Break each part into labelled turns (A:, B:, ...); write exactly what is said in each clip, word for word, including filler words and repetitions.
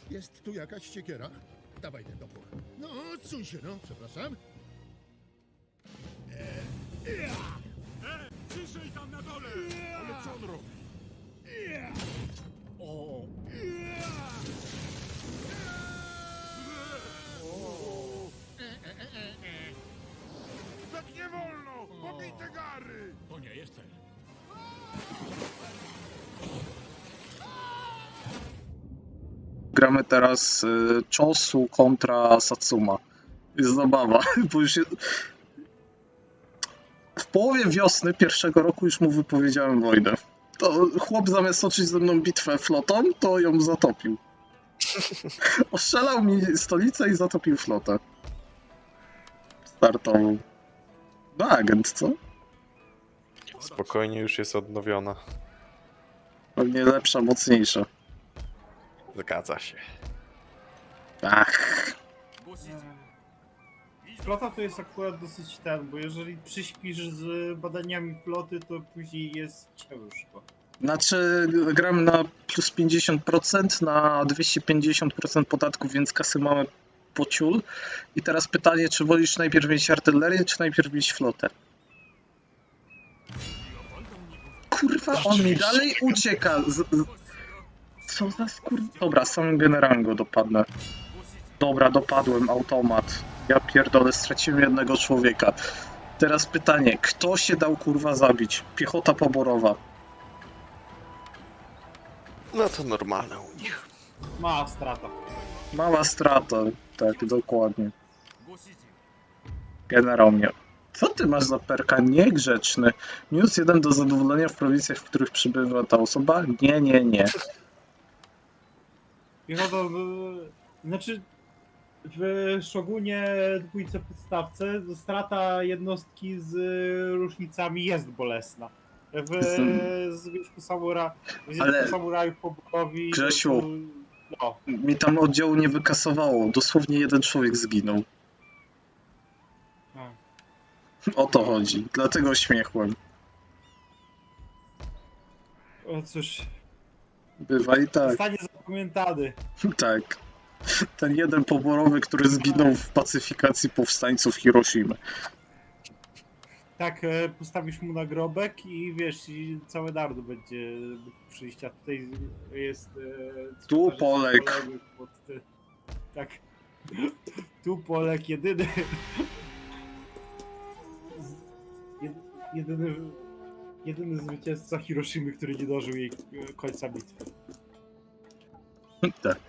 A: Jest tu jakaś siekiera? Dawaj ten topór. No, odsuń się, no, przepraszam.
B: E, ciszej tam na dole! Ale co on robi? O! Tak nie wolno! Pobite gary! To nie jest cel.
C: Gramy teraz y, Chosu kontra Satsuma. Jest zabawa, bo już je... W połowie wiosny pierwszego roku już mu wypowiedziałem wojnę. To chłop zamiast toczyć ze mną bitwę flotą, to ją zatopił. Ostrzelał mi stolicę i zatopił flotę. Startową. No agent, co?
D: Spokojnie, już jest odnowiona.
C: Pewnie lepsza, mocniejsza.
D: Zgadza się.
C: Ach.
E: Flota to jest akurat dosyć ten, bo jeżeli przyśpisz z badaniami floty, to później jest ciężko.
C: Znaczy, gram na plus pięćdziesiąt procent, na dwieście pięćdziesiąt procent podatków, więc kasy mamy po ciul. I teraz pytanie, czy wolisz najpierw mieć artylerię, czy najpierw mieć flotę? Kurwa, on mi dalej ucieka. Z, z... Co za skur... Dobra, samym generałem go dopadnę. Dobra, dopadłem, automat. Ja pierdolę, straciłem jednego człowieka. Teraz pytanie, kto się dał kurwa zabić? Piechota poborowa.
D: No to normalne u nich.
E: Mała strata.
C: Mała strata, tak, dokładnie. Generał mnie. Co ty masz za perka? Niegrzeczny. Minus jeden do zadowolenia w prowincjach, w których przybywa ta osoba? Nie, nie, nie.
E: Piechota, y, znaczy w Szogunie dwójce podstawce strata jednostki z różnicami jest bolesna. W Związku Samura, w
C: Ale-
E: Związku Samurajów poborowi...
C: Grzesiu.
E: No,
C: Mi tam oddziału nie wykasowało. Dosłownie jeden człowiek zginął.
E: no.
C: O to chodzi. Dlatego śmiechłem.
E: O cóż,
C: Bywa i tak.
E: zostanie zapamiętany.
C: Tak. Ten jeden poborowy, który zginął w pacyfikacji powstańców Hiroshimy.
E: Tak, e, postawisz mu nagrobek i wiesz, i całe naród będzie przyjść, a tutaj jest... E,
C: Tu
E: cmentarz
C: Polek.
E: poległych Pod, te, tak. Tu Polek, jedyny... z- jed, jedyny... Jedyny zwycięzca Hiroshimy, który nie dożył jej e, końca bitwy.
C: Tak.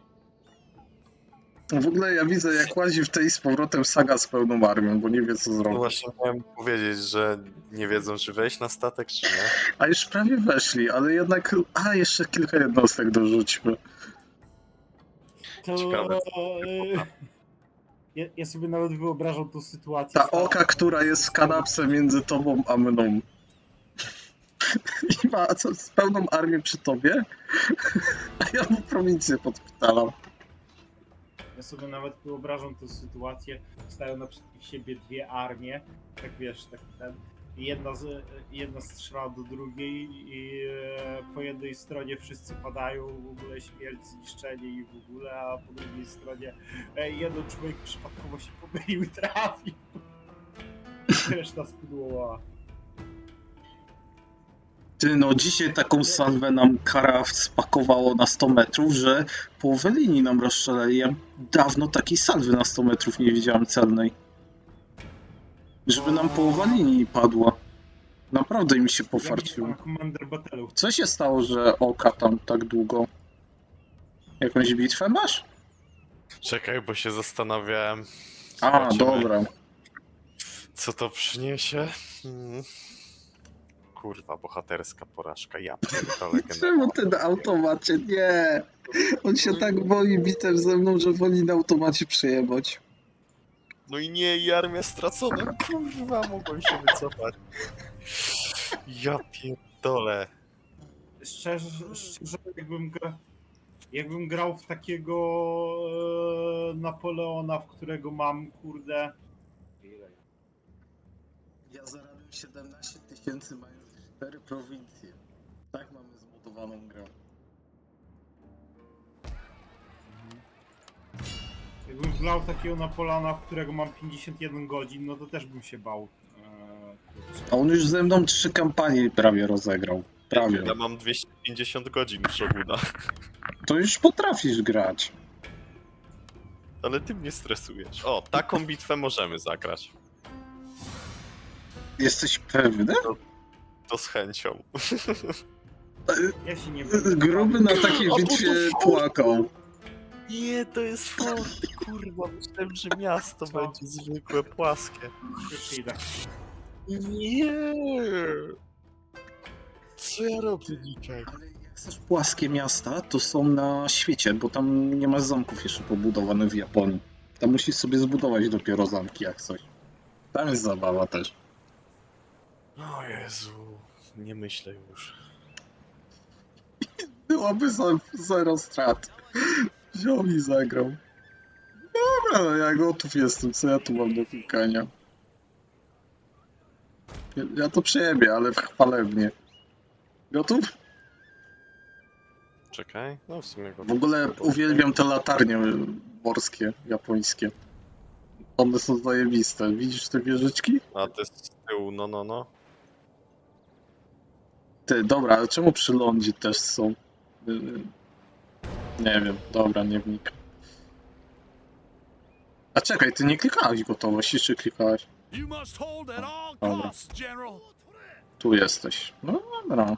C: W ogóle ja widzę, jak łazi w tej z powrotem Saga z pełną armią, bo nie wie, co
D: No
C: zrobić.
D: właśnie miałem powiedzieć, że nie wiedzą, czy wejść na statek, czy nie.
C: A już prawie weszli, ale jednak... A, jeszcze kilka jednostek dorzućmy.
E: To...
D: Ciekawe,
E: E, ja, ja sobie nawet wyobrażam tą sytuację.
C: Ta oka, która jest w kanapce między tobą a mną. I ma co, z pełną armią przy tobie? A ja mu prowincję podpitalam.
E: Ja sobie nawet wyobrażam tę sytuację, stają naprzeciw siebie dwie armie, tak wiesz, tak ten, i jedna, z, jedna strzela do drugiej i e, po jednej stronie wszyscy padają, w ogóle śmierć, zniszczenie i w ogóle, a po drugiej stronie e, jeden człowiek przypadkowo się pomylił i trafił. Reszta spudłowała.
C: Ty no, dzisiaj taką salwę nam kara spakowało na sto metrów, że połowę linii nam rozstrzelali. Ja dawno takiej salwy na sto metrów nie widziałem celnej. Żeby nam połowa linii padła. Naprawdę mi się pofarciło.
E: Ja Commander Battle'u.
C: Co się stało, że oka tam tak długo? Jakąś bitwę masz?
D: Czekaj, bo się zastanawiałem.
C: A,
D: Zobaczymy,
C: dobra.
D: co to przyniesie. Hmm. Kurwa, bohaterska porażka. Ja pierdolę generał.
C: Czemu ty na automacie? Nie! On się tak boi bitew ze mną, że woli na automacie przyjebać.
D: No i nie, i armia stracona. Kurwa, mogłem się wycofać. Ja pierdolę.
E: Szczerze, szczerze jakbym, gra, jakbym grał w takiego e, Napoleona, w którego mam, kurde... Ile?
C: Ja zarabiam siedemnaście tysięcy, mając cztery prowincje. Tak mamy zbudowaną grę.
E: wlał takiego Napolana, w którego mam pięćdziesiąt jeden godzin, no to też bym się bał. Eee, kurczę.
C: A on już ze mną trzy kampanie prawie rozegrał. Prawie.
D: Ja mam dwieście pięćdziesiąt godzin w Shoguna.
C: To już potrafisz grać.
D: Ale ty mnie stresujesz. O, taką bitwę możemy zagrać.
C: Jesteś pewny?
D: To z chęcią.
E: Ja się nie będę
C: Gruby na takiej
D: O,
C: bitwie
D: to fort.
C: płakał.
D: Nie, to jest fort, kurwa. Myślałem, że miasto
E: Co?
D: będzie zwykłe, płaskie.
E: Już idę.
D: Nie. Co ja robię dzisiaj?
C: Ale jak chcesz płaskie miasta, to są na świecie, bo tam nie ma zamków jeszcze pobudowanych w Japonii. Tam musisz sobie zbudować dopiero zamki jak coś. Tam jest zabawa też.
D: O Jezu, nie myślę już.
C: Byłoby za, zero strat. Wziął i zagrał. Dobra, no ja gotów jestem, co ja tu mam do klikania? Ja, ja to przejebię, ale w chwalebnie. Gotów?
D: Czekaj, no w sumie go...
C: W ogóle uwielbiam te latarnie morskie, japońskie. One są zajebiste. Widzisz te wieżyczki?
D: A te z tyłu, no no no.
C: Ty, dobra, ale czemu przy lądzie też są? Yy, Nie wiem, dobra, nie wnikam. A czekaj, ty nie klikałeś gotowości, czy klikałeś?
B: You must hold at all
C: Dobra.
B: costs, General.
C: Tu jesteś. No dobra.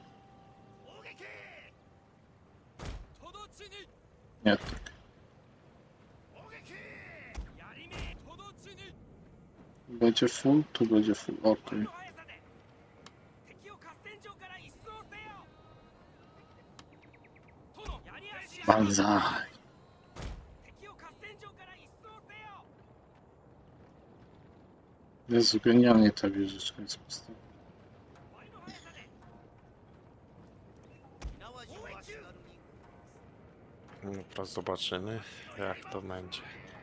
C: Nie, tak. Będzie full? Tu będzie full, okej. Banzai. Jezu, genialnie ta wieżyczka jest postawiona.
D: No teraz zobaczymy, jak to będzie.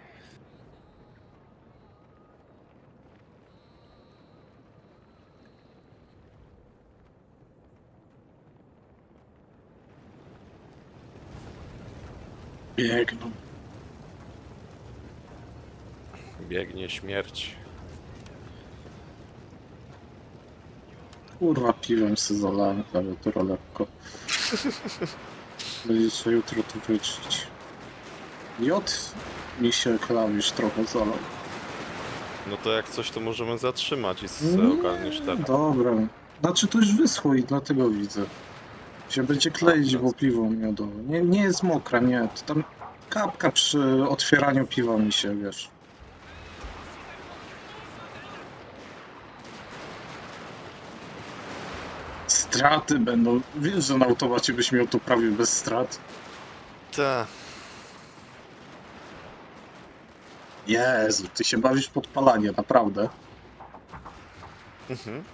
C: Biegną.
D: Biegnie śmierć.
C: Kurwa, piwem się zalałem klawiaturę lekko. Będziecie jutro to wyczyć. J mi się klawisz trochę zalał.
D: No to jak coś, to możemy zatrzymać i z
C: Nie,
D: ogarniesz teraz.
C: Dobra. Znaczy to już wyschło i dlatego widzę. Się będzie kleić,
D: A,
C: bo piwo miodowe. Nie, nie jest mokra, nie. To tam kapka przy otwieraniu piwa mi się, wiesz. Straty będą. Wiesz, że na automacie byś miał to prawie bez strat.
D: Ta.
C: Jezu, ty się bawisz w podpalanie, naprawdę.
D: Mhm.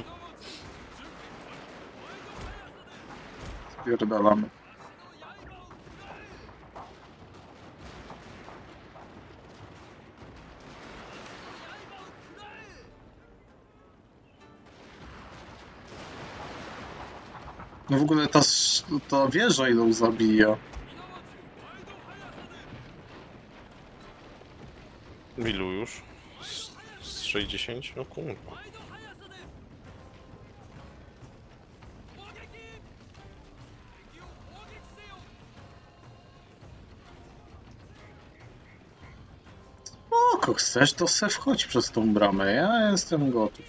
C: Spierdalamy. No w ogóle ta, sz- ta wieża idą zabija.
D: Ilu już? Z, z sześćdziesiąt? No kurwa.
C: Oko, chcesz, to se wchodź przez tą bramę, ja jestem gotów.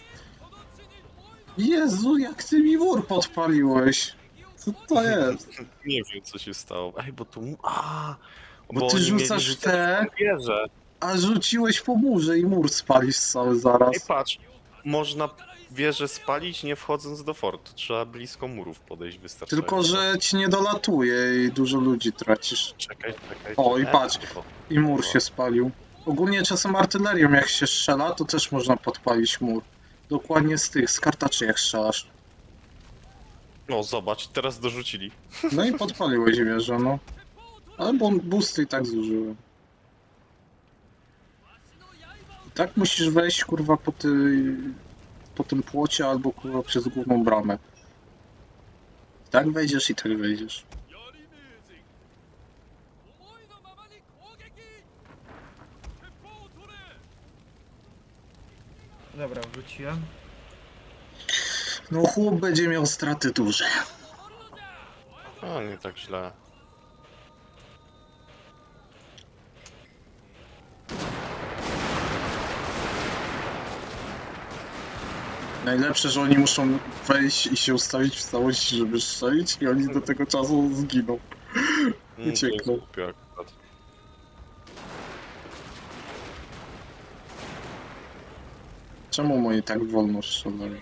C: Jezu, jak ty mi mur podpaliłeś. Co to jest?
D: Nie wiem, co się stało. Ej, bo tu... A,
C: Bo ty
D: oni mieli
C: rzucasz
D: rzucać
C: te,
D: w wieżę.
C: a rzuciłeś po murze i mur spalisz cały
D: Ej,
C: zaraz.
D: patrz. Można wieżę spalić, nie wchodząc do fortu. Trzeba blisko murów podejść wystarczająco.
C: Tylko, że ci nie dolatuje i dużo ludzi tracisz.
D: Czekaj, czekaj.
C: O, i
D: czekaj.
C: patrz.
D: Tylko-
C: I mur się spalił. Ogólnie czasem artylerią jak się strzela, to też można podpalić mur. Dokładnie z tych, z kartaczy jak strzelasz.
D: No, zobacz, teraz dorzucili.
C: No i podpaliłeś wieżę, no. Ale bo boosty i tak zużyłem. I tak musisz wejść, kurwa, po, ty, po tym płocie albo, kurwa, przez główną bramę. I tak wejdziesz i tak wejdziesz.
E: Dobra, wróciłem.
C: No chłop będzie miał straty duże.
D: A, nie tak źle.
C: Najlepsze, że oni muszą wejść i się ustawić w całości, żeby strzelić i oni do tego czasu zginą.
D: Mm, to jest
C: Uciekną.
D: głupie akurat.
C: Czemu moi tak wolno strzelają?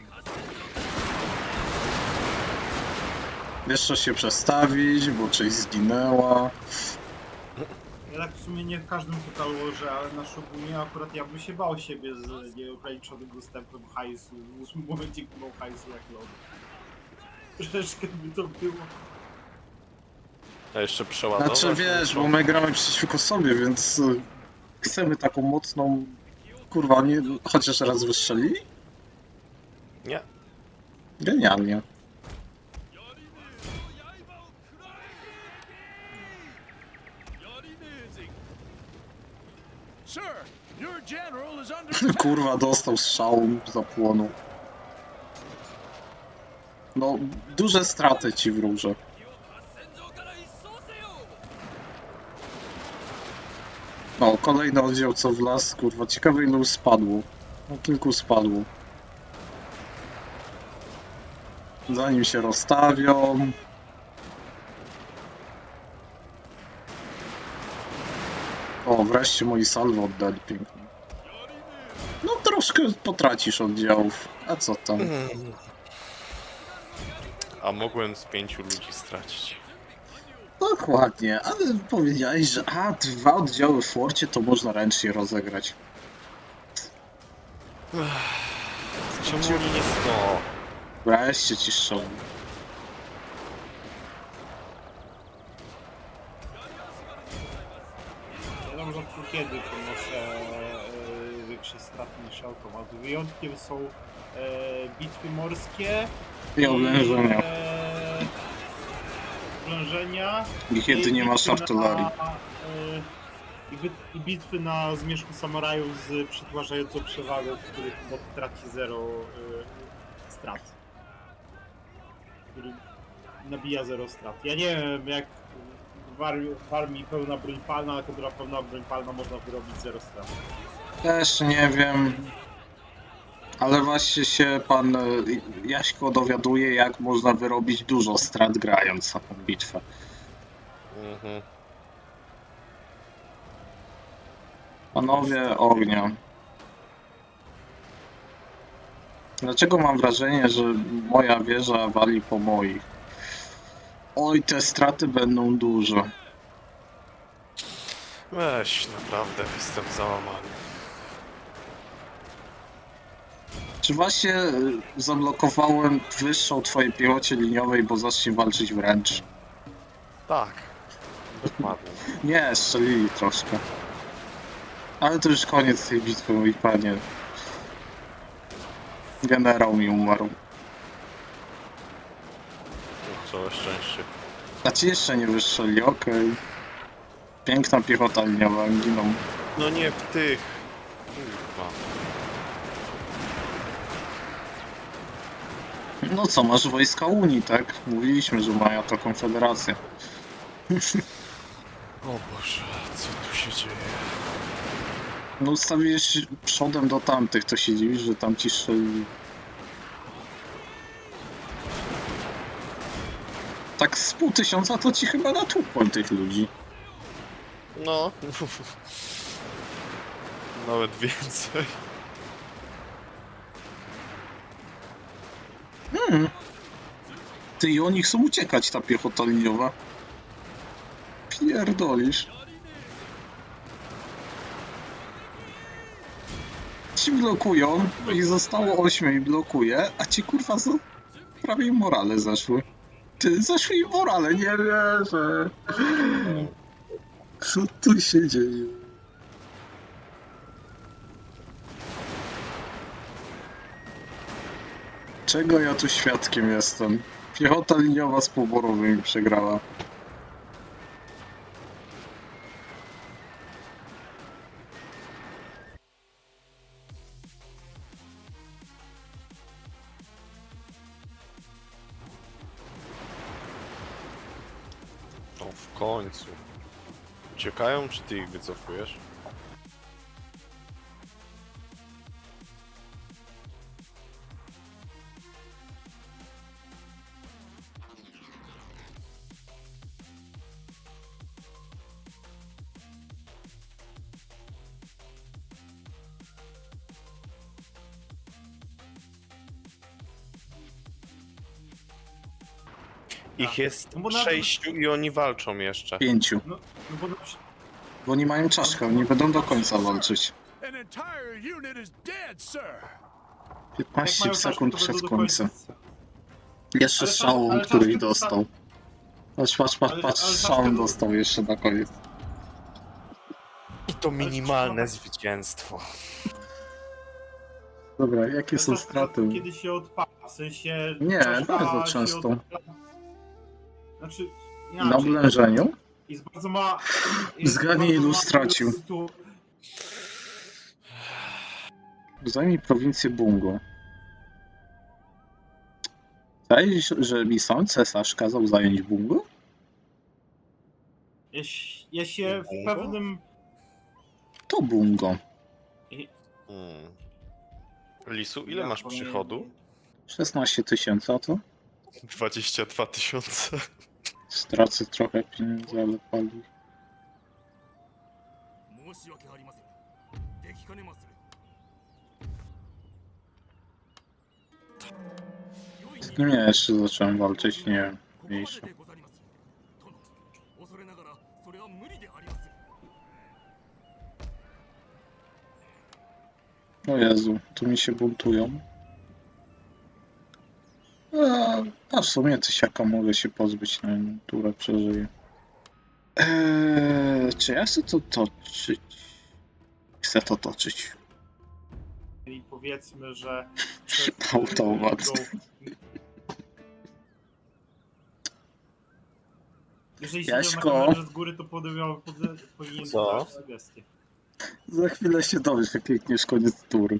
C: Wiesz co się przestawić, bo część zginęła.
E: Ja tak w sumie nie w każdym totalu łożę, ale na Shogunie akurat ja bym się bał siebie z nieograniczonym dostępem hajsu. W ósmym momencie nie miał hajsu jak lody. Troszeczkę by to było.
D: A jeszcze przeładować.
C: Znaczy wiesz,
D: muszą.
C: bo my gramy przeciwko sobie, więc y, chcemy taką mocną... Kurwa, nie... chociaż raz wystrzelili?
D: Nie.
C: Genialnie.
B: Sir, your general is under
C: Kurwa, dostał strzał, zapłonął. No, duże straty ci wróżę. No, kolejny oddział co w las, kurwa, ciekawe ilu spadło. No, kilku spadło. Zanim się rozstawią... O, wreszcie moi salwy oddali pięknie. No, troszkę potracisz oddziałów, a co tam?
D: A mogłem z pięciu ludzi stracić.
C: Dokładnie, ale powiedziałeś, że a, dwa oddziały w forcie to można ręcznie rozegrać.
D: Czemu oni nie sto?
C: Wreszcie ci strzelam.
E: Ja tam rzadko kiedy ponoszę e, większe straty niż automat. Wyjątkiem są e, bitwy morskie
C: I oblężenia.
E: e, oblężenia
C: I kiedy nie masz
E: bitwy
C: artylerii.
E: Na, e, i, bit, I bitwy na zmierzchu samurajów z przetwarzającą przewagą, w których bot traci zero e, strat. Który nabija zero strat. Ja nie wiem jak w armii, w armii pełna broń palna, ale kontra pełna broń palna można wyrobić zero strat.
C: Też nie wiem. Ale właśnie się pan e, Jaśko dowiaduje, jak można wyrobić dużo strat grając na tą bitwę.
D: Mhm.
C: Panowie ognia. Dlaczego mam wrażenie, że moja wieża wali po moich? Oj, te straty będą duże.
D: Weź, naprawdę jestem załamany.
C: Czy właśnie y, zablokowałem wyższą twojej piechocie liniowej, bo zacznie walczyć wręcz?
D: Tak. Dokładnie.
C: Nie, strzelili troszkę. Ale to już koniec tej bitwy, mój panie. Generał mi umarł.
D: Całe szczęście.
C: A ci jeszcze nie wystrzeli, okej. Piękna piechota liniowa, giną.
D: No nie w tych. Kurwa.
C: No co, masz wojska Unii, tak? Mówiliśmy, że mają to konfederacja.
D: O Boże, co tu się dzieje?
C: No ustawiłeś przodem do tamtych, to się dziwisz, że tam ci strzelili. Tak z pół tysiąca to ci chyba natłukłem tych ludzi.
D: No. Nawet więcej.
C: Hmm. Ty i oni chcą uciekać, ta piechota liniowa. Pierdolisz. Ci blokują, ich zostało ośmiu i blokuje, a ci kurwa za... prawie im morale zeszły. Ty, zeszły im morale, nie wierzę. Co tu się dzieje? Czego ja tu świadkiem jestem? Piechota liniowa z poborowymi przegrała.
D: No w końcu. Uciekają, czy ty ich wycofujesz? Ich jest
E: No bo na-
D: sześciu i oni walczą jeszcze.
C: Pięciu.
E: No, no bo na przy...
C: Bo oni mają czaszkę, oni będą do końca walczyć.
B: An entire unit is dead, sir.
E: jak
C: piętnaście
E: mają
C: sekund
E: czaszkę, to
C: przed
E: będą do
C: końcem.
E: końca.
C: Jeszcze
E: Ale
C: strzałą,
E: czas- ale
C: który
E: czaszkę
C: dostał. Patrz, patrz, patrz,
E: Ale-
C: patrz,
E: ale
C: strzałą
E: czaszkę-
C: dostał jeszcze na koniec.
D: I to minimalne
E: Ale-
D: zwycięstwo.
C: Dobra, jakie
E: Ale
C: są
E: czaszka
C: straty?
E: to Kiedy się odpala, w sensie...
C: Nie,
E: czaszka
C: bardzo
E: się
C: często.
E: odpala- Znaczy,
C: Na
E: inaczej.
C: oblężeniu?
E: Jest bardzo ma... jest
C: Zgadnij,
E: bardzo
C: ilu
E: mała
C: stracił.
E: ilość sytu-
C: Zajmij prowincję Bungo. Zdaje się, że mi sam cesarz kazał zająć Bungo?
E: Ja, się- ja się w
D: Bungo?
E: pewnym...
C: To Bungo.
D: Hmm. Lisu, ile
E: Ja
D: masz
E: powiem-
D: przychodu?
C: szesnaście tysięcy, a to?
D: dwadzieścia dwa tysiące.
C: Stracę trochę pieniędzy, ale pali.
F: 申し訳ありません。できかねまする。
C: Z kim ja jeszcze zacząłem walczyć? Nie wiem.
F: ここまで
C: Mniejsza.
F: でござります。殿、恐れながらそれは無理でありまする。
C: O Jezu, tu mi się buntują. A, a w sumie tysiaka mogę się pozbyć, na jedną turę przeżyję. Eee, czy ja chcę to toczyć? Chcę to toczyć.
E: I powiedzmy, że... przed-
C: Automat.
E: Jeżeli się
C: Jaśko.
E: na kamerze z góry, to podejmował, pode- powinien
D: Co?
E: dać sugestie.
C: Za chwilę się dowiesz, jak klikniesz koniec tury.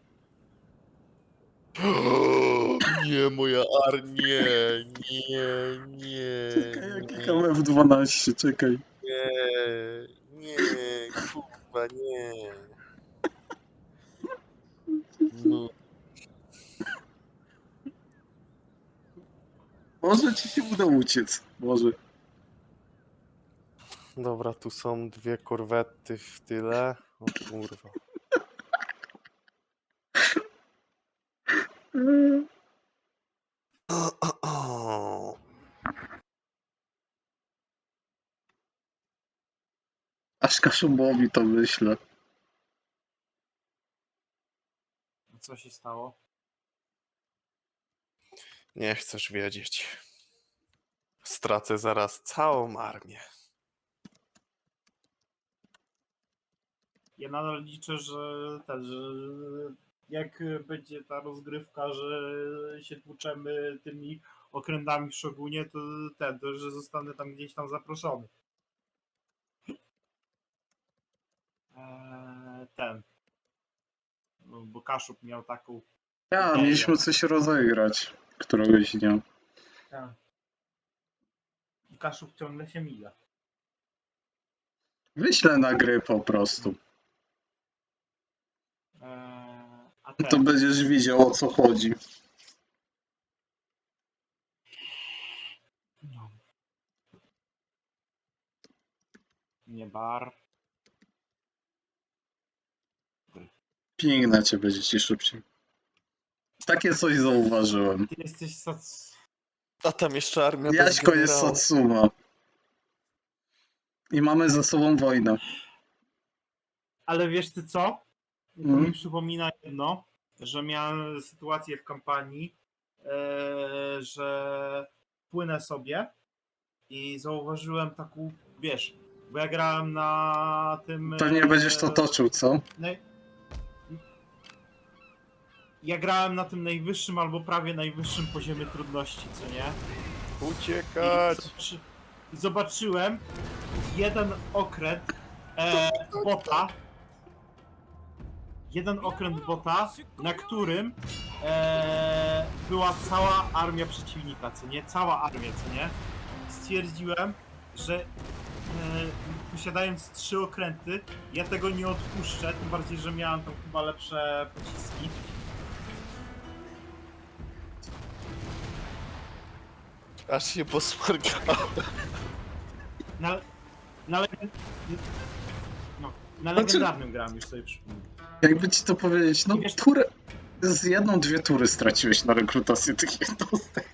D: Nie, moja armia, nie, nie.
C: Czekaj, ja klikam F dwanaście, czekaj.
D: Nie, nie, kurwa, nie. No,
C: Może ci się uda uciec. Może.
D: dobra, tu są dwie korwety w tyle. O kurwa.
C: Aż Kaszumbowi to myślę.
E: Co się stało?
D: Nie chcesz wiedzieć. Stracę zaraz całą armię.
E: Ja nadal liczę, że ten, że jak będzie ta rozgrywka, że się tłuczemy tymi okrętami w Szogunie, to ten, to że zostanę tam gdzieś tam zaproszony. Eee, ten. No, bo Kaszub miał taką.
C: Ja,
E: Nie,
C: mieliśmy
E: ja.
C: coś rozegrać któregoś dnia.
E: Tak. I Kaszub ciągle się mija.
C: Wyślę na gry po prostu.
E: Eee, a
C: To
E: ten,
C: będziesz widział, o co chodzi.
E: no. Nie bar.
C: Piękna cię będzie ci szybciej. Takie coś zauważyłem.
E: Ty jesteś sac...
D: A tam jeszcze armia bez
C: Jaśko jest
D: generałów.
C: Satsuma. I mamy ze sobą wojnę.
E: Ale wiesz ty co? To
C: Mhm.
E: mi przypomina jedno, że miałem sytuację w kampanii, e, że płynę sobie i zauważyłem taką, wiesz, bo ja grałem na tym...
C: Pewnie
E: e,
C: będziesz to toczył, co?
E: naj- Ja grałem na tym najwyższym albo prawie najwyższym poziomie trudności, co nie? I
D: Uciekać!
E: zobaczy, zobaczyłem jeden okręt e, bota, jeden okręt bota, na którym e, była cała armia przeciwnika, co nie? Cała armia, co nie? Stwierdziłem, że e, posiadając trzy okręty, ja tego nie odpuszczę, tym bardziej, że miałem tam chyba lepsze pociski.
D: Aż się posmarkałem.
E: Na, na, leg- no, na
C: Znaczy-
E: legendarnym grałem, już sobie przypomnę.
C: Jakby ci to powiedzieć, no
E: Wiesz-
C: turę... Z jedną, dwie tury straciłeś na rekrutację tych jednostek.